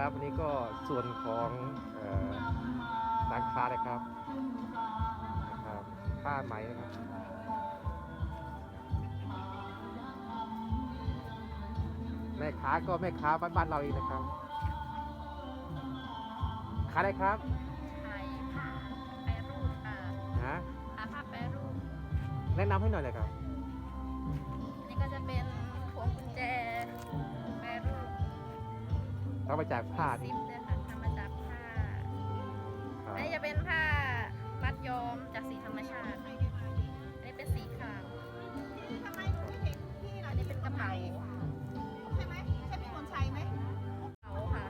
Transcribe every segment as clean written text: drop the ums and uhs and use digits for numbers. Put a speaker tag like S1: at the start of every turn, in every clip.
S1: ครับวันนี้ก็ส่วนของร้านค้านะครับผ้าไหมนะครับแม่ค้าก็แม่ค้าบ้านๆเราเองนะครับค้าอะไรครับ
S2: ขายผ้าแปรรูปค่ะ
S1: ฮะ
S2: ขายผ้าแปรรูป
S1: แนะนำให้หน่อยเลยครับ
S2: อันนี้ก็จะเป็นพวงกุญแจแปรรูป
S1: ทำมาจากผ้า
S2: ซิปด้วยค่ะทำมาจากผ้าอันนี้จะเป็นผ้ามัดย้อมจากสีธรรมชาติอันนี้เป็นสีขาวอันนี้เป็นกระเป๋า
S3: ใช่ไหมใช่พี่มนชัยไหม
S2: กระเป๋าค่ะ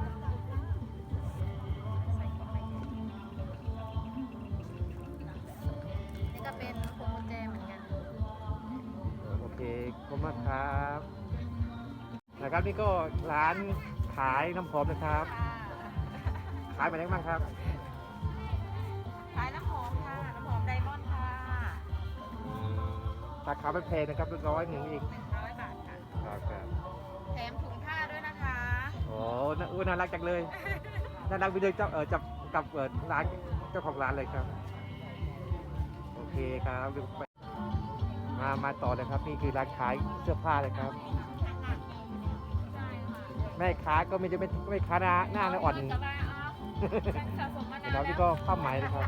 S2: นี่ก็เป็นพวงกุญแจเหมือนกัน
S1: โอเคขอบคุณมากครับนะครับนี่ก็ร้านขายน้ำหอมนะครับขายไปไหนบ้างครับ
S3: ขายน้ำหอมค่ะน้ำหอมไดมอนด์ค่ะ
S1: ราคาไม่แพงนะครับ100เอง
S3: 100 บาทค่ะ
S1: ครับ
S3: แถมถุงผ้าด้วยนะคะ
S1: โอ้น่ารักจังเลยน่ารักไปเลยเจ้าจับกับร้านเจ้าของร้านเลยครับโอเคครับมาต่อเลยครับนี่คือร้านขายเสื้อผ้าเลยครับแม่ค้าก็ไม่ค้าหน้าอ่อนนะครับนี่ก็ผ้าไหมนะครับ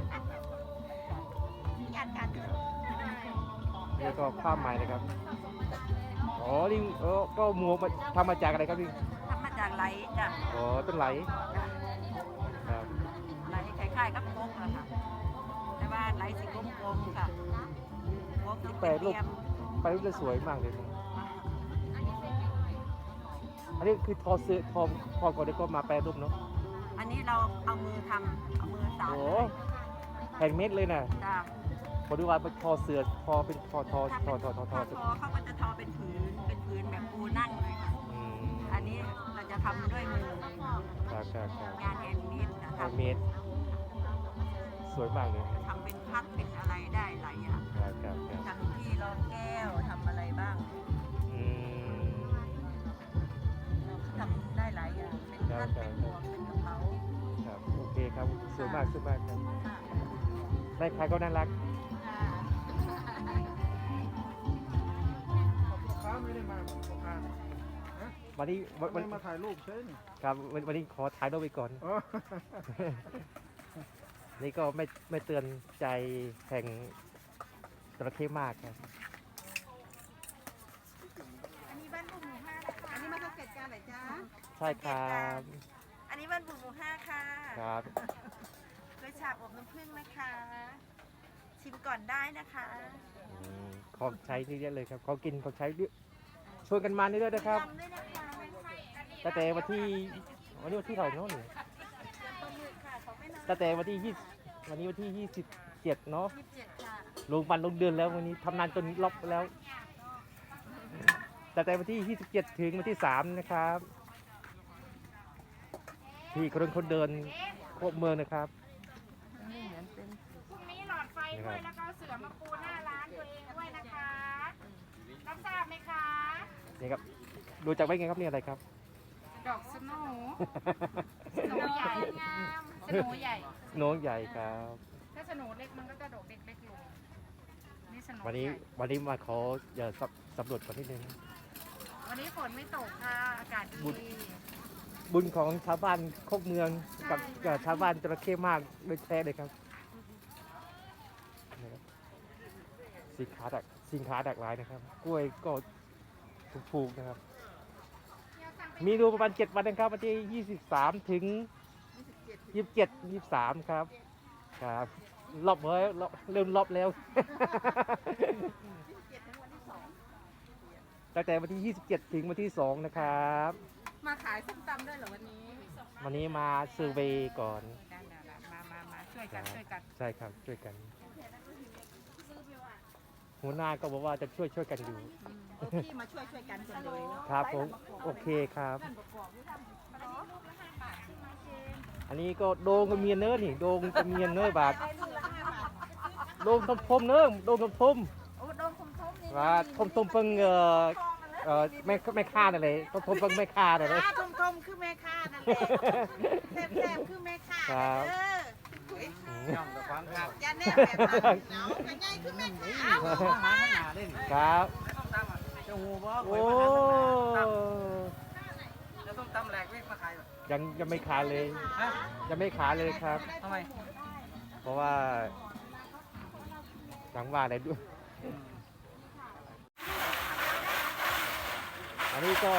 S1: นี่ก็ผ้าไหมนะครับอ๋อนี่ก็หมวกทำมาจากอะไรครับนี่
S3: ทำมาจากไหลจ้ะ
S1: อ๋อต้นไหลครับ
S3: ไหลคล้ายๆกับโก๊กอะค่ะแต่ว่าไหลสีกลมๆค่ะโก๊กสี
S1: แปล
S3: เรี
S1: รูป
S3: ยม
S1: ไปรูปจะสวยมากเลยอันนี้คือทอเสื้อทอก่อนแล้วก็มาแปรรูปเนาะ
S3: อันนี้เราเอามือทำเอามือสาน
S1: โอ้แฮนด์เมดเลยนะ
S3: จ้ะ
S1: พอดูว่าเป็นทอเสื้อทอเป็นทอ
S3: ถ้าเขาก็จะทอเป็นผืนแบบปูนั่งเลยค่ะอันนี้เราจะทำด้วยมือ
S1: ครับ
S3: งานแฮนด์เมดนะ
S1: แฮ
S3: คะ
S1: นด์เมดสวยมากเลย
S3: ทำเป็นพัดเป็นอะไรได้หลายอย่างทำที่รองแก้วทำอะไรบ้างทำได้หลายอย่างเป็นพัดเป็นหมวกเป็นกระเป๋า
S1: ครับโอเคครับสวยมากครับได้ใครก็น่ารัก
S4: ไม่ได้มาลูกค้า
S1: วันนี้
S4: มาถ่ายรูปใช่ไหม
S1: ครับวันนี้ขอถ่ายรูปไปก่อนนี่ก็ไม่เตือนใจแห่งจระเข้มากครับ
S3: อันนี้บ้านบุ๋มหมู่5นะคะอันนี้มาสังเกตการเหรอจ๊ะ
S1: ใช่ครับ
S3: อันนี้บ้านบุ๋มหมู่5ค่ะ
S1: ครับ
S3: โดยฉาบอบน้ำผึ้งนะคะชิมก่อนได้นะคะ
S1: ของใช้นี่เยอะเลยครับของกินของใช้ชวนกันมานี่ด้วยนะครับแต่วันที่เท่าไหร่เนาะนี่แต่วันที่วันนี้วันที่27เนาะลงวันลงเดือนแล้ววันนี้ทำงานจนล็อกแล้วแต่วันที่27ถึงวันที่3นะครับที่คนเดินครบเมืองนะครับ
S2: พรุ่งนี้หลอดไฟด้วยแล้วก็เสือมาปูหน้าร้านตัวเองด้วยนะคะรับทราบไหมคะ
S1: นี่ครับดูจากไว้ไงครับนี่อะไรครับ
S2: ดอกสโนว์ใหญ่งามสโนว์ใหญ่
S1: ใหญ่ครับ
S2: ถ้าสโนว์เล็กมันก็จะดอกเล็กลงนี่สโนว์
S1: วันนี้มาขออย่าสำรวจก่อนนิดนึง
S2: วันนี้ฝนไม่ตกค่ะอากาศดี
S1: บุญของชาวบ้านโคกเมืองกับชาวบ้านจระเข้มากโดยแท้เลยครับสินค้าดักหลายนะครับกล้วยก็ถูกนะครับมีดูประมาณ7 วันนะครับวันที่23ถึง27 23ครับรอบเริ่มรอบแล้วตั้งแต่วันที่27ถึงวันที่2นะครับ
S3: มาขายส้มตำด้วยเหรอวัน
S1: นี้มาเซอร์เวย์ก่อน
S3: มาช่วยกัน
S1: ใช่ครับช่วยกันหัวหน้าก็บอกว่าจะช่วยกันอยู่
S3: พี่มาช่วยกันคนเลย
S1: ครับผมโอเคครับอันนี้ก็โดงกับเมียเนื้อนี่โดงกับเมียเนื้อบาทโดงทมเนื้อโดงทมว่าทมเพิ่งไม่ฆ่าอะไรต้มต้มไม่ฆ่าอะไรเลย
S3: ทมคือแม่ค้านั่นแหละแซ่บๆคือแม่ค้า
S1: ครับ
S4: ย่องแต่ฟังครับ
S3: อย่าแน่แบบนั้นเนาะกันใหญ่คือแม่ค้า
S4: เอามาข้างหน้าเล่น
S1: ครับ
S4: เจ้าหูบ่
S1: โอ้
S4: แล้วส้มตำแหลกเรียกมาขายแบบ
S1: ยังไม่ขาเลย
S4: ฮะ
S1: ยังไม่ขาเลยครับ
S4: ทำไม
S1: เพราะว่าจังว่าอะไรด้วย อันนี้ก็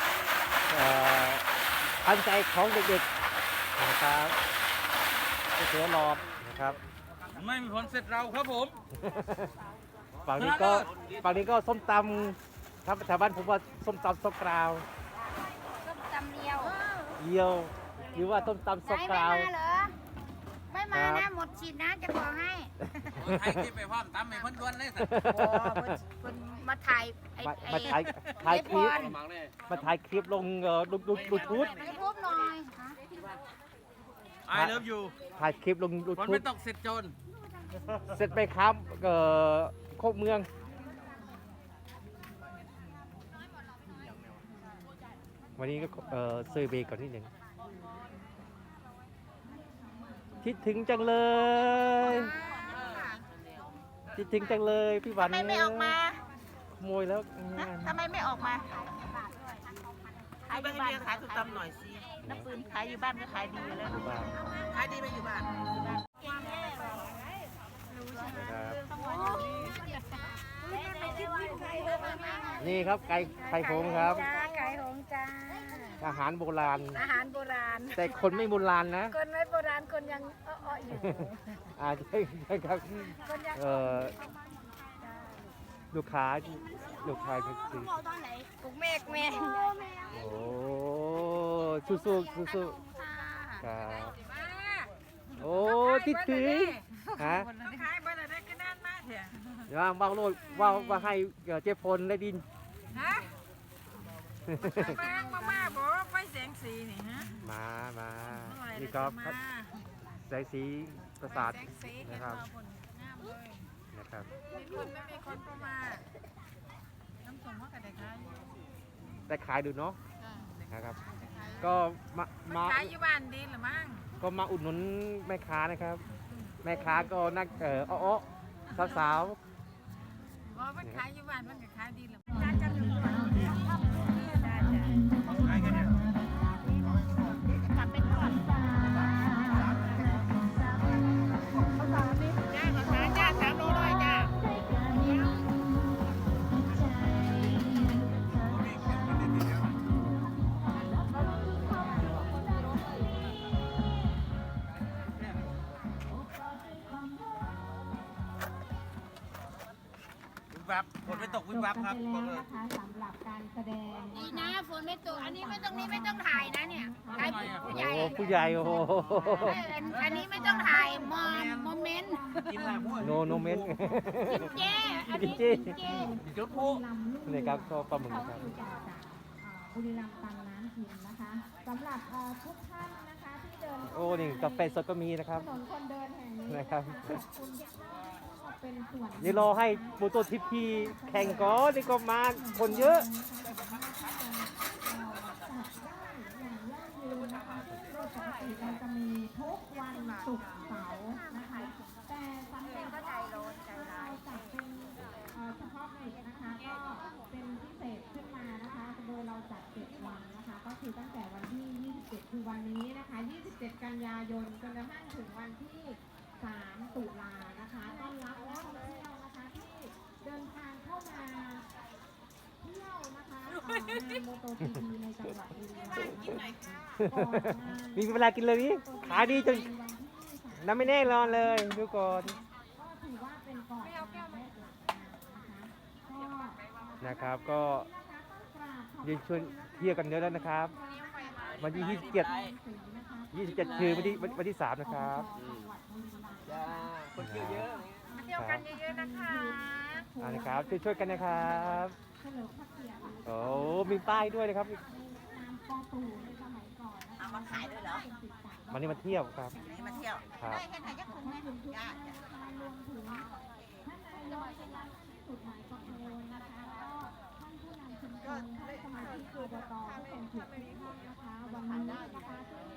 S1: ทันใจของเด็กๆนะครับเสือหลอดนะครับ
S4: ไม่มีผลเสร็จเราครับผม
S1: ฝั่งนี้ก็ส้มตำครับแถวบ้านผมว่าส้มตำซอกกราว
S2: ส้มตำเลียว
S1: เยียวหรือว่าส้มตำซอกกราว
S2: ไม่มาเหรอ ไม่มา
S1: ครั
S2: นะ
S1: บ
S2: หมดฉีดนะจะบอกให้
S4: ไทยที่ไปพร้อมตำให้พ้นดวนเลยสัตว์
S2: โอ้คนมาถ่ายไอ้
S1: มาถ่ายคลิป
S2: ไอ้
S1: มาถ่ายคลิปลงดูทูบ
S2: ให้พูดหน่อย
S4: ไอเลิฟยู
S1: ถ่ายคลิปลงดู
S4: ฝน
S1: ทู
S4: ไม่
S1: บ
S4: ตกเสร็จโจร
S1: เสร็จไปครับโคกเมือง วันนี้ก็เซอร์เวย์ก่อนนิดหนึ่งคิดถึงจังเลยคิดถึงจังเลยพี่หวัน
S3: ทำไมไม่ออกมา
S1: ขโมยแล้ว
S3: ทำไมไม่ออกมาขายอยู่บ้านขายส้มตำหน่อยสิน้ำปืนขายอยู่บ้านก็ขายดีอยู่แล้ว
S1: บ้าน
S3: ขายดีไปอยู่บ้าน
S1: นะครับนี่ครับไก่โหงครับ
S2: จ้าไก่หงจ้า
S1: อาหารโบราณ
S2: อาหารโบราณ
S1: แต่คนไม่โบราณนะ
S2: คนไม่โบราณคนยังอ้อๆอยู่
S1: ใช่ครับ
S2: คนยัง
S1: ลูกค้าก็คือ
S2: ปลุกเมฆแม่
S1: โอ้สู้ครับโอ้ติดถือฮะ
S3: ขายบ้านอะไรก็นั่นมาเถอะ
S1: เดี๋ยวว่างโลดว่าให้เจ๊พลได้ดิน
S3: ฮะแป้งมาบอกว่าไฟแสงสีนี่ฮะ
S1: มานี่ก็แสงสีประสาทนะครับนะครับ
S3: มีคนไม่มีคนก็มาน้ำส้มว่ากันได้ขาย
S1: ได้ขายดูเนาะนะครับ ก็มา
S3: ขายอยู่บ้านดีหรือมั้ง
S1: ก็มาอุดหนุนแม่ค้านะครับ แม่ค้าก็นักอ้อสาว
S3: ว่ามันขายอยู่บ้านมันก็ขายดีหรือ
S2: กลับไปก่อน
S3: จ้า3 โลเลยจ้า
S4: วิบวับฝนไม่ตกวิบวับครับบอกเลย
S5: นะคะสำหรับการแสดง
S2: ดีนะฝนไม่ตกอันนี้ไม่ต้องถ่ายนะเนี่ยถ่ายผู้ใหญ่
S1: โอ้ผู้ใหญ่โอ้
S2: อันนี้ไม่ต้องถ่ายโมเมนต์
S4: กินอะไรพวก
S1: โนเมนต์
S2: กินเจอันนี้
S1: กิ
S2: กิ
S1: น
S2: น
S1: เจ
S2: เจ
S4: จุดพลุ
S1: นี่ครับก็ปลาหมึกครับ
S5: บุรีรัมย์ตังน้ำทิมนะคะสำหรับทุกท่านนะคะที่เดิน
S1: โอ้นี่กาแฟสดก็มีนะครับ
S5: ถนนคนเดินแห่งนี้
S1: นะครับ
S5: คุณก็เป็นส่วน
S1: เดี๋ยวรอให้โมโตทิพีแข่งก่อนนี่ก็มาคนเยอะ
S5: อย่างยั่งยืนนะคะซึ่งโดยปกติเราจะมีทุกวันศุกร์เสาร์นะคะแต่สำหรับเราจัดเป็นเฉพาะกิจนะคะก็เป็นพิเศษขึ้นมานะคะโดยเราจัด7 วันนะคะก็คือตั้งแต่วันที่ 27 คือวันนี้นะคะ 27 กันยายนจนกระทั่งถึงวันที่ 3 ตุลานะคะต้อนรับนักท่องเที่ยวนะคะที่เดินทางเข้ามาเที่ยวนะคะงานโมโตจีพีในจังหวัดบุรีรัมย์ก่อนงาน
S1: มีเวลากินเลยนี่ขายดีจนน้ำไม่แน่นอนเลยดูก่อน
S5: ก็ถือว่าเป็นก่อนงานและหลังงานนะคะ
S1: นะครับก็ยืนชวนเที่ยวกันเยอะแล้วนะครับ วันที่ 27 คือวันที่ 3 นะครับ
S4: จ้าคนเยอะ
S3: มาเที่ยวกันเยอะๆนะคะ
S1: นะครับช่วยกันนะครับ
S5: เฉลิมพระเกียรติ
S1: โอ้มีป้ายด้วยนะครับ
S5: นามปอตู่ในสมัยก่อนนะคะ
S3: เอามาขายด้วยเหรอ
S1: วันนี้มาเที่ยวครับ
S3: นี่มาเที่ยว
S1: ครับ
S3: ได้แค่ไหนจะคุ้มไหมจ้าร
S5: วมถึงท่านนายกสุดหมายประโคนนะคะก็ท่านผู้นำชุมชนถูกทุกห้องนะคะวันนี้นะคะที่